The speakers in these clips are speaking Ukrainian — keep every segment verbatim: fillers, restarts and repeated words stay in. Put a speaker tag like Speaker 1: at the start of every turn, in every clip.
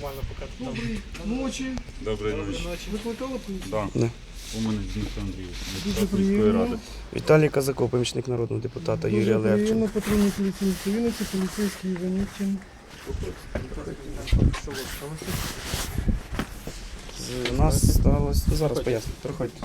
Speaker 1: нормально поки там.
Speaker 2: Доброї ночі.
Speaker 3: Доброї ночі.
Speaker 2: Викликали поліцію?
Speaker 3: Да.
Speaker 4: Да.
Speaker 3: У мене Дмитро Андрійович,
Speaker 2: Дуже
Speaker 3: депутат міської
Speaker 2: приємно.
Speaker 3: ради.
Speaker 4: Віталій Казаков, помічник народного депутата Юрія
Speaker 2: Дуже приємно,
Speaker 4: Левченка.
Speaker 2: патрульні поліції Вінниці, поліцейський Іванітін.
Speaker 4: У нас сталося... Ну, зараз поясню, проходьте.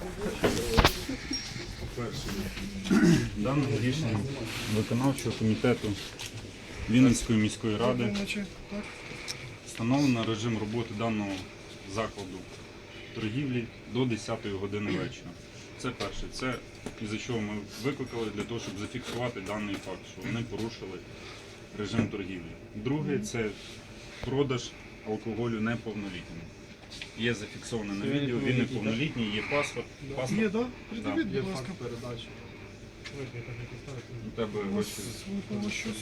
Speaker 3: По-перше, даним рішенням виконавчого комітету Вінницької міської ради
Speaker 2: Доброї ночі. Так.
Speaker 3: встановлено режим роботи даного закладу торгівлі до десятої години вечора. Це перше. Це із-за чого ми викликали для того, щоб зафіксувати даний факт, що вони порушили режим торгівлі. Друге, це продаж алкоголю неповнолітнім. Є зафіксовано на відео, він неповнолітній, є паспорт.
Speaker 2: Є,
Speaker 3: Паспорт
Speaker 2: так? Придивіть,
Speaker 1: Є
Speaker 2: будь ласка.
Speaker 1: факт передачі.
Speaker 3: у тебе
Speaker 2: У вас
Speaker 3: ось
Speaker 2: випало щось.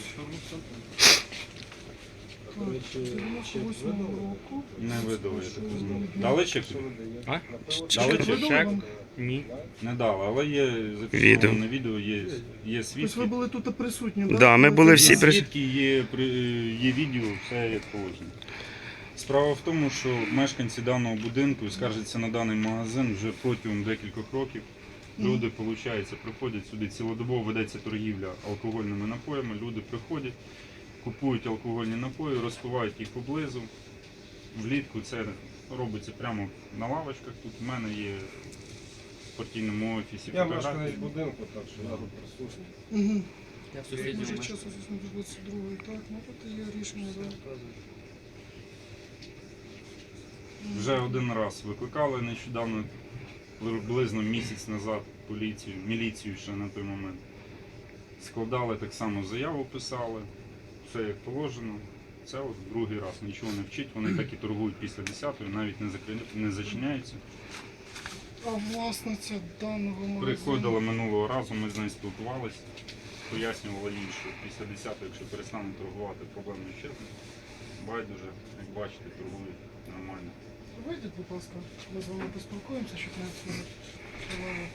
Speaker 1: До речі,
Speaker 2: дев'яносто восьмого року.
Speaker 3: не видали, я так розумію. Дали чек?
Speaker 1: А?
Speaker 3: Дали чек?
Speaker 2: Видали вам?
Speaker 1: Ні.
Speaker 3: Не дали, але є
Speaker 4: Відео.
Speaker 3: зафіксовано на відео, є, є
Speaker 2: Тобто ви
Speaker 3: свідки.
Speaker 2: були тут присутні, так?
Speaker 4: Да, ми були всі
Speaker 3: Є
Speaker 4: при-
Speaker 3: свідки, є, при- є відео, все як положено. Справа в тому, що мешканці даного будинку скаржаться на даний магазин вже протягом декількох років. Люди, виходить, приходять сюди, цілодобово ведеться торгівля алкогольними напоями, люди приходять, купують алкогольні напої, розпивають їх поблизу. Влітку це робиться прямо на лавочках. Тут в мене є в партійному офісі
Speaker 1: Я
Speaker 3: фотографії.
Speaker 1: мешканець будинку, так що я тут присутній.
Speaker 2: Угу.
Speaker 1: Я в
Speaker 2: Дуже
Speaker 1: сусідньому.
Speaker 2: часу двадцять другої, так, ну тут є рішення, так.
Speaker 3: Вже один раз викликали нещодавно, приблизно місяць назад, поліцію, міліцію ще на той момент. Складали так само заяву, писали, все як положено. Це от другий раз нічого не вчить, вони так і торгують після десятої, навіть не, закри... не зачиняються.
Speaker 2: А власниця даного магазину?
Speaker 3: Приходила минулого разу, ми з нею спілкувалися, пояснювала їй, що після десятої, якщо перестануть торгувати, проблем не вчити. Байдуже, як бачите, торгують нормально.
Speaker 2: Вийдіть, будь ласка, ми з вами поспілкуємося, щоб не відсунути.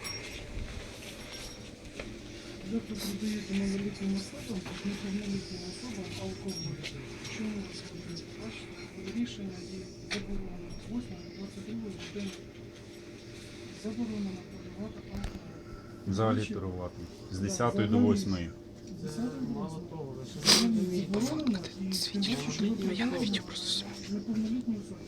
Speaker 2: Ви тут продаєте малолітнім особам, неповнолітнім особам алкоголь. Чому ви це робите? Бачите, рішення є заборонено. З восьмої до двадцять другої години заборонено продавати алкоголь.
Speaker 3: Взагалі торгувати. З десятої до восьмої.
Speaker 2: З десятої до восьмої. Заборонено і тим більше, що ви продаєте неповнолітні особи.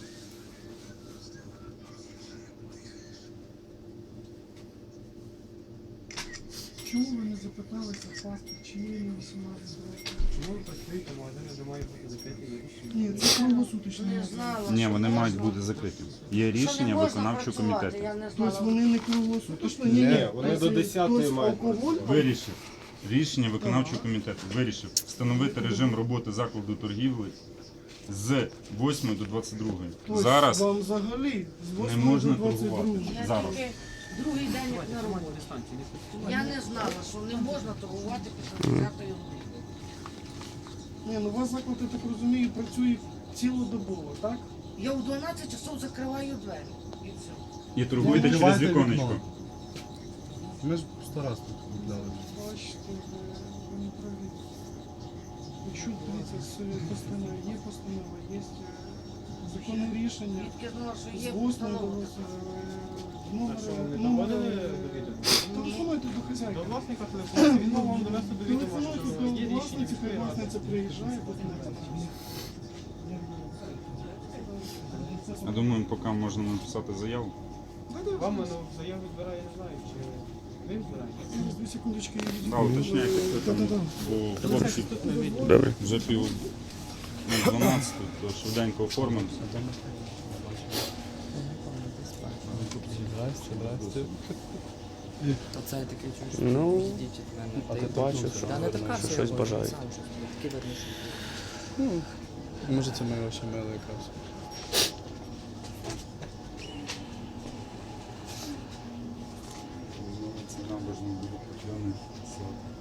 Speaker 2: Чому ви не запиталися паспорт, чи є йому вісімнадцять років?
Speaker 1: Чому ви працюєте, магазини не мають бути закриті?
Speaker 2: Ні, це круглосуточний магазин.
Speaker 3: Ні, вони мають бути закриті. Є рішення виконавчого комітету.
Speaker 5: Я не
Speaker 2: Тобто
Speaker 5: знала.
Speaker 2: вони не круглосуточні?
Speaker 1: Ні, вони до
Speaker 2: Тобто
Speaker 1: десятої мають
Speaker 2: алкоголь?
Speaker 3: Вирішив. Рішення виконавчого комітету вирішив встановити режим роботи закладу торгівлі з восьмої до двадцять другої.
Speaker 2: Тобто
Speaker 3: Зараз
Speaker 2: вам взагалі з
Speaker 3: не
Speaker 2: восьмої
Speaker 3: можна
Speaker 2: до двадцять
Speaker 3: торгувати.
Speaker 2: другої.
Speaker 5: Я
Speaker 3: Зараз.
Speaker 5: тільки другий день як на роботі. Я не знала, що не можна торгувати після десятої години.
Speaker 2: Ні, ну у вас заклад, я так розумію, працює цілодобово, так?
Speaker 5: Я у дванадцять часов закриваю двері. І все.
Speaker 3: І торгуйте через
Speaker 6: Відкривайте
Speaker 3: віконечко.
Speaker 6: вікно. Ми ж сто раз тут купляли.
Speaker 2: Бачите, ви, ви не праві. Якщо дивіться, з постанови, є постанова, є е, законне рішення.
Speaker 5: Тільки знала, що
Speaker 2: З
Speaker 5: є
Speaker 2: восьмої до
Speaker 5: постанова.
Speaker 2: номер,
Speaker 1: Так що ви не
Speaker 2: номер,
Speaker 1: доводили до відома?
Speaker 2: телефонуйте до хазяйки.
Speaker 1: До власника телефону, він мав вам довести до відома,
Speaker 2: Телефонуйте
Speaker 1: що
Speaker 2: до
Speaker 1: є рішення
Speaker 2: власниці,
Speaker 1: міської
Speaker 2: хай
Speaker 1: ради.
Speaker 2: власниця приїжджає, потім.
Speaker 3: Я думаю, поки можна написати заяву.
Speaker 1: Вам воно заяву відбирає, я не знаю, чи ви відбираєте?
Speaker 2: Зараз дві секундочки. я відійду.
Speaker 3: Да, уточняйте, хто там,
Speaker 2: Да-да-да.
Speaker 3: бо хлопці
Speaker 4: Добре.
Speaker 3: вже пів на дванадцяту, то швиденько оформимося.
Speaker 6: Здрасте, здрасте.
Speaker 7: Оце я такий чую, що
Speaker 4: Ну,
Speaker 7: їздіть від мене.
Speaker 4: а
Speaker 7: Та
Speaker 4: ти
Speaker 7: й
Speaker 4: бачив,
Speaker 7: вернувся.
Speaker 4: що-
Speaker 7: Та не така
Speaker 4: що
Speaker 7: все,
Speaker 4: щось
Speaker 7: я
Speaker 4: бажають.
Speaker 7: сам щось таке вернувся.
Speaker 6: Ну, може це моє очі мило якраз.
Speaker 3: Це набожний буде